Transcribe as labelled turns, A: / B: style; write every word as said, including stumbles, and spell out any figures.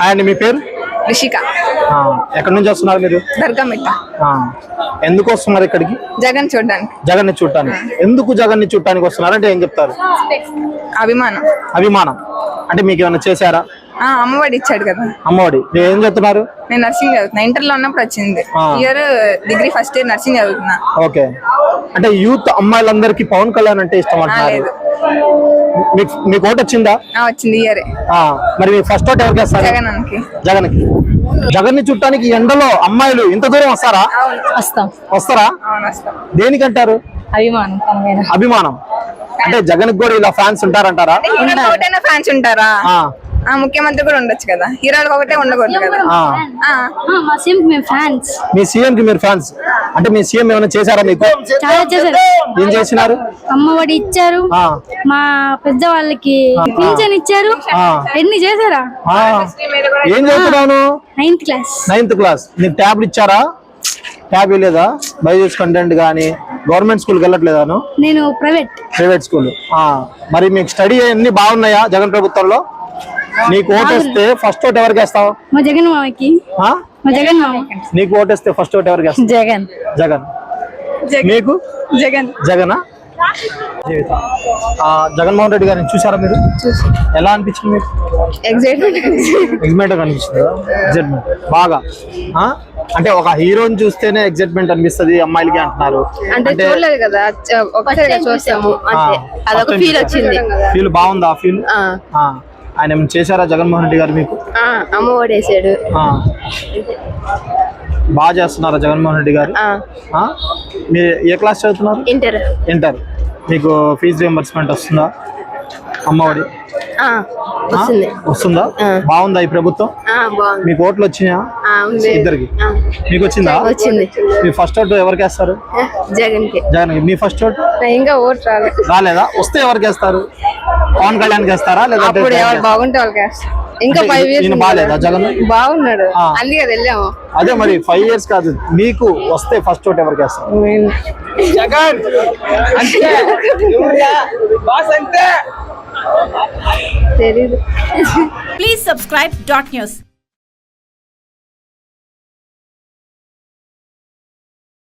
A: And మీ పేరు?
B: రిషిక.
A: ఎక్కడి నుంచి వస్తున్నారు మీరు?
B: దర్గామిట్ట.
A: ఎందుకు వస్తున్నారు ఇక్కడికి?
B: జగన్ చూడడానికి.
A: జగన్ ని చూడటానికి. ఎందుకు జగన్ ని చూడటానికి వస్తున్నారు అంటే ఏం చెప్తారు?
B: అభిమానం.
A: అభిమానం అంటే మీకు ఏమైనా చేశారా?
B: అమ్మఒడి ఇచ్చాడు కదా.
A: అమ్మఒడి. మీరు ఏం చెప్తున్నారు?
B: నేను నర్సింగ్ చదువుతున్నా. ఇంటర్ లో ఉన్నప్పుడు వచ్చింది. Year degree first year nursing చదువుతున్నా.
A: ఓకే. అంటే యూత్ అమ్మాయిలందరికీ పవన్ కళ్యాణ్ అంటే ఇష్టం అంటున్నారు. మీకు ఓటు వచ్చిందా?
B: వచ్చింది ఇయర్.
A: మరి మీ ఫస్ట్ ఓట్ ఎవరికి వేస్తారు?
B: జగన్ కి.
A: జగన్ కి. జగన్ ని చుట్టానికి ఎండలో అమ్మాయిలు ఇంత దూరం వస్తారా?
B: వస్తాం.
A: వస్తారా? దేనికంటారు?
B: అభిమానం.
A: అభిమానం అంటే జగన్ కూడా ఇలా ఫ్యాన్స్ ఉంటారంటారా?
B: ఫ్యాన్స్ ఉంటారా? ముఖ్యమంత్రి కూడా ఉండొచ్చు కదా, హీరోలకు ఒకటే ఉండకూడదు కదా.
A: మీ సీఎం కి మీరు ఫ్యాన్స్ అంటే మీ సీఎం ఏమైనా చేశారా మీకు?
C: చాలా చేశారు.
A: ఏం చేసినారు?
C: అమ్మఒడి ఇచ్చారు, మా పెద్ద వాళ్ళకి పింఛన్ ఇచ్చారు, ఎన్ని చేశారా?
A: ఏం చదువుతున్నాను?
C: Ninth class.
A: Ninth class. నీకు ట్యాబ్లు ఇచ్చారా? ట్యాబ్ లేదా? బైజూస్ కంటెంట్ గానీ గవర్నమెంట్ స్కూల్కి వెళ్ళట్లేదాను?
C: నేను ప్రైవేట్.
A: Private school. మరి మీకు స్టడీ అన్ని బాగున్నాయా జగన్ ప్రభుత్వంలో? నీకు ఓటేస్తే ఫస్ట్ ఓట్ ఎవరికి వేస్తావు?
C: మా జగన్ మామకి. మా జగన్ మామ.
A: నీకు ఓటేస్తే ఫస్ట్ ఓట్ ఎవరికి వేస్తావు?
C: జగన్.
A: జగన్. మీకు?
B: జగన్.
A: జగనా? జగన్మోహన్ రెడ్డి గారిని చూసారా మీరు? ఎలా అనిపించింది మీకు?
B: ఎగ్జైట్మెంట్.
A: ఎగ్జైట్మెంట్ అనిపిస్తుందా? ఎగ్జైట్మెంట్ బాగా. అంటే ఒక హీరోని చూస్తేనే ఎగ్జైట్మెంట్ అనిపిస్తుంది అమ్మాయిలకి అంటున్నారు.
B: అంటే చూడలేదు కదా, ఒకసారి చూసాము అంతే, అదొక ఫీల్ వచ్చింది.
A: ఫీల్ బాగుందా? ఆ ఫీల్ ఆయన ఏమైనా చేశారా జగన్మోహన్ రెడ్డి గారు మీకు?
B: అమ్మ ఓడేసాడు.
A: బాగా చేస్తున్నారా జగన్మోహన్ రెడ్డి గారు? మీరు ఏ క్లాస్ చదువుతున్నారు?
B: ఇంటర్.
A: ఇంటర్. మీకు ఫీజు రియంబర్స్మెంట్ వస్తుందా? అమ్మఒడి వస్తుందా? బాగుందా ఈ ప్రభుత్వం? మీకు ఓట్లు వచ్చినాయా? ఇద్దరికి. మీకు వచ్చిందా?
B: వచ్చింది.
A: మీ ఫస్ట్ ఓటు ఎవరికి వేస్తారు?
B: జగన్ కి.
A: జగన్ కి. మీ ఫస్ట్ ఓటు?
B: ఇంకా ఓటు రాలేదు.
A: రాలేదా? వస్తే ఎవరికి వేస్తారు? పవన్ కళ్యాణ్ వేస్తారా లేదంటే
B: బాగుంటే వాళ్ళకి వేస్తారు. ఇంకా ఫైవ్ ఇయర్స్
A: బాగాలేదా జగన్?
B: బాగున్నాడు, అందుకే వెళ్ళాము.
A: అదే మరి ఫైవ్ ఇయర్స్ కాదు, మీకు వస్తే ఫస్ట్ ఓట్ ఎవరికి వేస్తారు? జగన్.
B: తెలీదు.
D: Please subscribe dot news.